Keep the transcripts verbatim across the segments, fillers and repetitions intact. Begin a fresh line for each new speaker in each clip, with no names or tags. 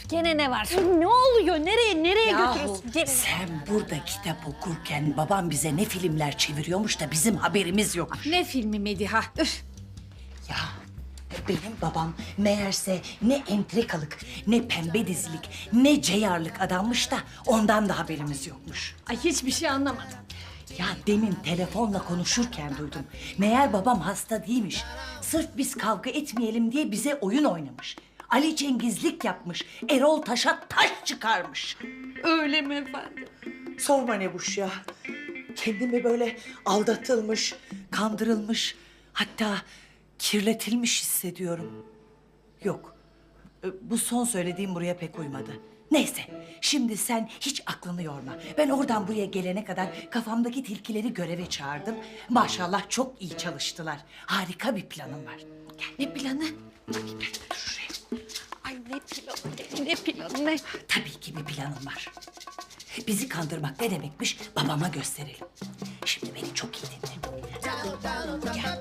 Gene ne var? Ne oluyor? Nereye, nereye
Yahu,
götürüyorsun? Gene...
sen burada kitap okurken babam bize ne filmler çeviriyormuş da bizim haberimiz yok.
Ne filmi Mediha? Üf.
Ya benim babam meğerse ne entrikalık, ne pembe dizilik, ne ceyarlık adammış da ondan da haberimiz yokmuş.
Ay hiçbir şey anlamadım.
Ya demin telefonla konuşurken duydum. Meğer babam hasta değilmiş. Sırf biz kavga etmeyelim diye bize oyun oynamış. Ali Cengizlik yapmış. Erol Taş'a taş çıkarmış.
Öyle mi efendim?
Sorma Nebuş ya. Kendimi böyle aldatılmış, kandırılmış, hatta kirletilmiş hissediyorum. Yok, e, bu son söylediğim buraya pek uymadı. Neyse, şimdi sen hiç aklını yorma. Ben oradan buraya gelene kadar kafamdaki tilkileri göreve çağırdım. Maşallah çok iyi çalıştılar. Harika bir planım var. Gel.
Ne planı?
Şuraya.
Ay ne planı, ne planı, ne?
Tabii ki bir planım var. Bizi kandırmak ne demekmiş babama gösterelim. Şimdi beni çok iyi dinle. Gel.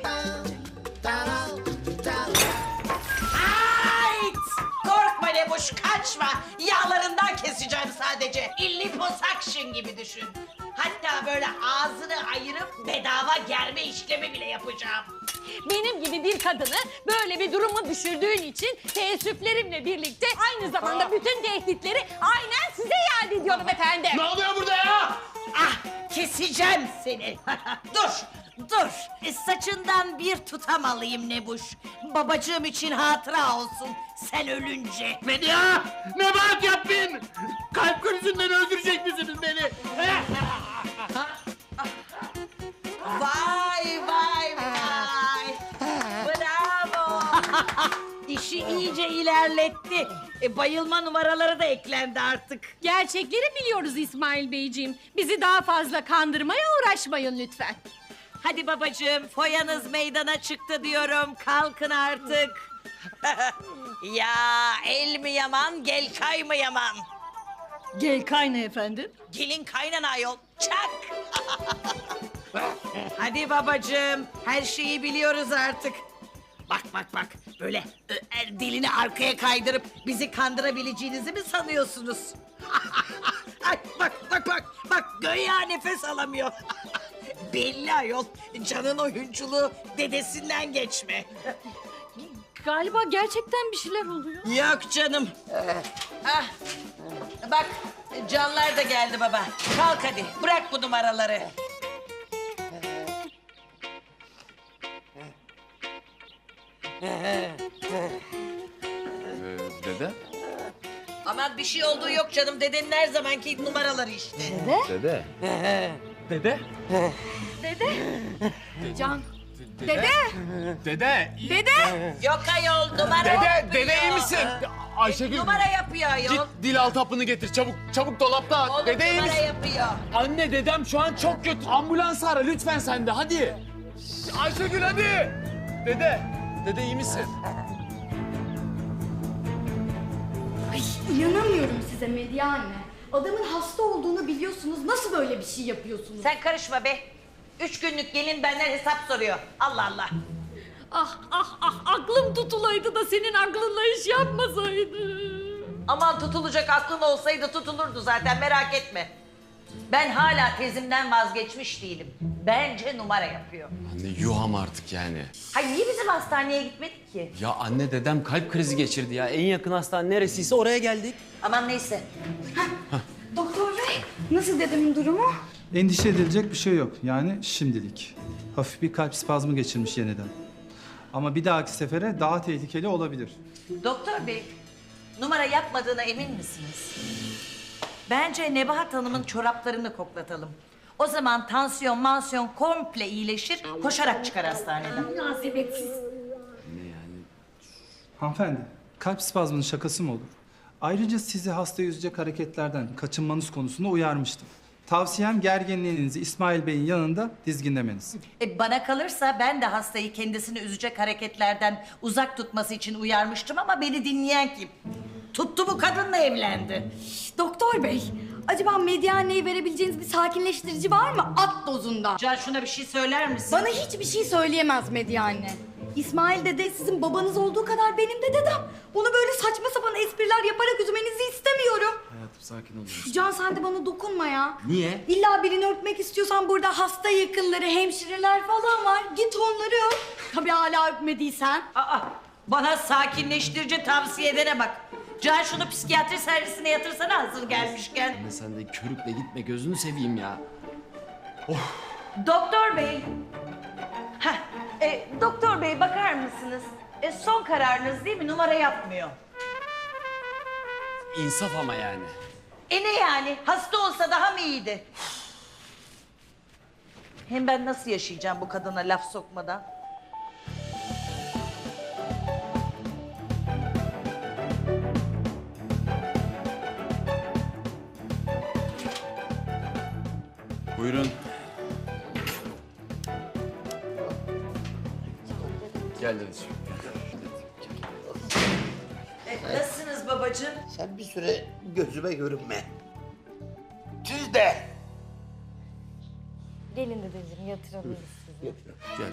Hayt! Korkma Nebuş, kaçma. Yağlarından keseceğim sadece. Liposuction gibi düşün. Hatta böyle ağzını ayırıp bedava germe işlemi bile yapacağım.
Benim gibi bir kadını böyle bir duruma düşürdüğün için teessüflerimle birlikte aynı zamanda bütün tehditleri aynen size iade ediyorum efendim.
Ne oluyor burada ya?
Ah, keseceğim seni. dur, dur. E, saçından bir tutam alayım Nebuş. Babacığım için hatıra olsun sen ölünce.
Medya! Nebahat yapmayın! Kalp krizinden öldürecek misiniz beni?
Vay vay vay. Bravo. İşi iyice ilerletti. E, bayılma numaraları da eklendi artık.
Gerçekleri biliyoruz İsmail Beyciğim. Bizi daha fazla kandırmaya uğraşmayın lütfen.
Hadi babacığım, foyanız meydana çıktı diyorum. Kalkın artık. Ya el mi yaman, gel kay mı yaman?
Gel kayna efendim.
Gelin kaynana ayol, çak! Hadi babacığım, her şeyi biliyoruz artık. Bak bak bak, böyle ö, el dilini arkaya kaydırıp bizi kandırabileceğinizi mi sanıyorsunuz? Ay, bak bak bak, bak göya nefes alamıyor. Belli ayol, Can'ın oyunculuğu dedesinden geçme.
Galiba gerçekten bir şeyler oluyor.
Yok canım. Ah, bak Canlar da geldi baba. Kalk hadi, bırak bu numaraları.
Ee, dede?
Aman bir şey olduğu yok canım. Dedenin her zamanki numaraları işte.
Dede. Dede?
Can. Dede.
Dede.
Dede.
Yok ayol, numara
Dede,
yapıyor.
dede iyi misin? Ayşegül.
Numara yapıyor ayol.
Git dil altı hapını getir çabuk. Çabuk dolapta.
Oğlum
Dede iyi
numara
misin?
yapıyor.
Anne dedem şu an çok kötü. Ambulans ara lütfen sen de hadi. Ayşegül hadi. Dede. Dede iyi misin?
Ay inanamıyorum size Medya anne. Adamın hasta olduğunu biliyorsunuz. Nasıl böyle bir şey yapıyorsunuz?
Sen karışma be. Üç günlük gelin benden hesap soruyor. Allah Allah.
Ah ah ah aklım tutulaydı da senin aklınla iş yapmasaydı.
Aman tutulacak aklın olsaydı tutulurdu zaten, merak etme. Ben hala tezimden vazgeçmiş değilim. Bence numara yapıyor.
Anne yuh ama artık yani.
Hayır niye bizim hastaneye gitmedik ki?
Ya anne dedem kalp krizi geçirdi ya. En yakın hastane neresiyse oraya geldik.
Aman neyse.
Doktor bey nasıl dedemin durumu?
Endişe edilecek bir şey yok. Yani şimdilik. Hafif bir kalp spazmı geçirmiş yeniden. Ama bir dahaki sefere daha tehlikeli olabilir.
Doktor bey, numara yapmadığına emin misiniz? Bence Nebahat Hanım'ın çoraplarını koklatalım. O zaman tansiyon, mansiyon komple iyileşir, koşarak çıkar hastaneden.
Münasebetsiz.
Hanımefendi, kalp spazmının şakası mı olur? Ayrıca sizi hastayı üzecek hareketlerden kaçınmanız konusunda uyarmıştım. Tavsiyem gerginliğinizi İsmail Bey'in yanında dizginlemeniz.
E, bana kalırsa ben de hastayı kendisini üzecek hareketlerden uzak tutması için uyarmıştım ama beni dinleyen kim? Tuttu bu kadınla evlendi.
Doktor bey acaba Medya anneye verebileceğiniz bir sakinleştirici var mı? At dozunda.
Can şuna bir şey söyler misin?
Bana hiçbir şey söyleyemez Medya anne. İsmail dede sizin babanız olduğu kadar benim de dedem. Onu böyle saçma sapan espriler yaparak üzmenizi istemiyorum.
Hayatım sakin ol.
Can sen de bana dokunma ya.
Niye?
İlla birini öpmek istiyorsan burada hasta yakınları, hemşireler falan var. Git onları öp. Tabii hala öpmediysen.
Aa, bana sakinleştirici tavsiye edene bak. Can şunu psikiyatri servisine yatırsana hazır gelmişken.
Anne sen de körükle gitme gözünü seveyim ya.
Doktor bey. Heh, e, doktor bey bakar mısınız? E, son kararınız değil mi? Numara yapmıyor.
İnsaf ama yani.
E ne yani? Hasta olsa daha mı iyiydi? Hem ben nasıl yaşayacağım bu kadına laf sokmadan?
Buyurun. Gel dedeciğim.
E, nasılsınız babacığım?
Sen bir süre gözüme görünme. Siz de.
Gelin dedeciğim yatırabiliriz sizi.
Gel.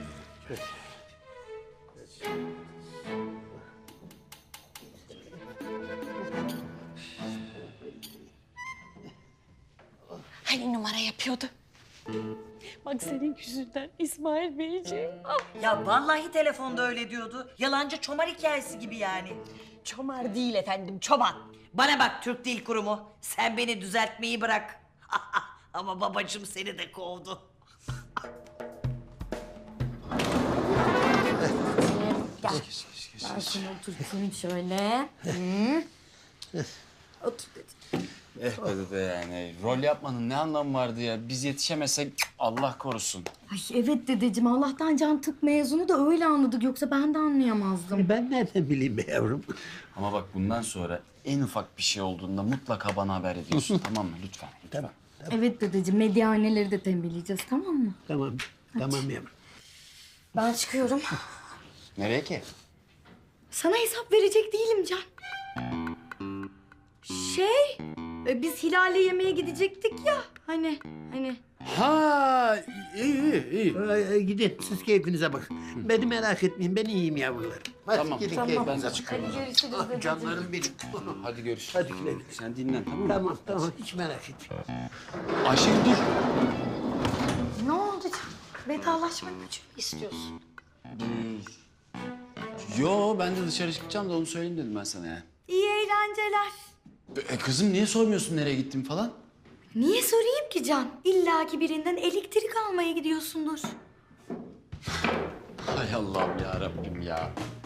Hani numara yapıyordu? Bak senin yüzünden İsmail Beyciğim. Ah,
Ya vallahi telefonda öyle diyordu. Yalancı çomar hikayesi gibi yani.
çomar değil efendim, çoban.
Bana bak Türk Dil Kurumu. Sen beni düzeltmeyi bırak. Ama babacığım seni de kovdu.
Gel. Ben seni oturtayım şöyle. Hı. Otur dedeciğim.
Eh be dede yani. Rol yapmanın ne anlamı vardı ya? Biz yetişemezsek Allah korusun.
Ay evet dedeciğim Allah'tan Can tıp mezunu da öyle anladık yoksa ben de anlayamazdım.
Ben nereden bileyim be yavrum?
Ama bak bundan sonra en ufak bir şey olduğunda mutlaka bana haber ediyorsun tamam mı? Lütfen. lütfen.
Tamam,
Evet dedeciğim medyaneleri de tembihleyeceğiz tamam mı?
tamam, tamam yavrum.
Ben çıkıyorum.
Nereye ki?
Sana hesap verecek değilim Can. Şey, e, biz Hilal'le yemeğe gidecektik ya. Hani, hani.
Ha iyi iyi iyi.
Ee, gidin siz keyfinize bakın. Beni merak etmeyin ben iyiyim yavrularım. Hadi
Tamam,
gidin
tamam.
keyfinize
Ben de
bakın.
çıkıyorum.
Hadi görüşürüz
Ah,
dedeciğim.
canlarım benim.
Hadi görüşürüz.
Hadi güle güle.
Sen dinlen tamam mı?
Tamam tamam hiç merak etme.
Ayşegül dur.
Ne oldu Can? Vedalaşmak için mi istiyorsun?
Yo ben de dışarı çıkacağım da onu söyleyeyim dedim ben sana yani.
İyi eğlenceler.
E, kızım niye sormuyorsun nereye gittim falan?
Niye sorayım ki Can? İlla ki birinden elektrik almaya gidiyorsundur.
Hay Allah'ım ya Rabbim ya.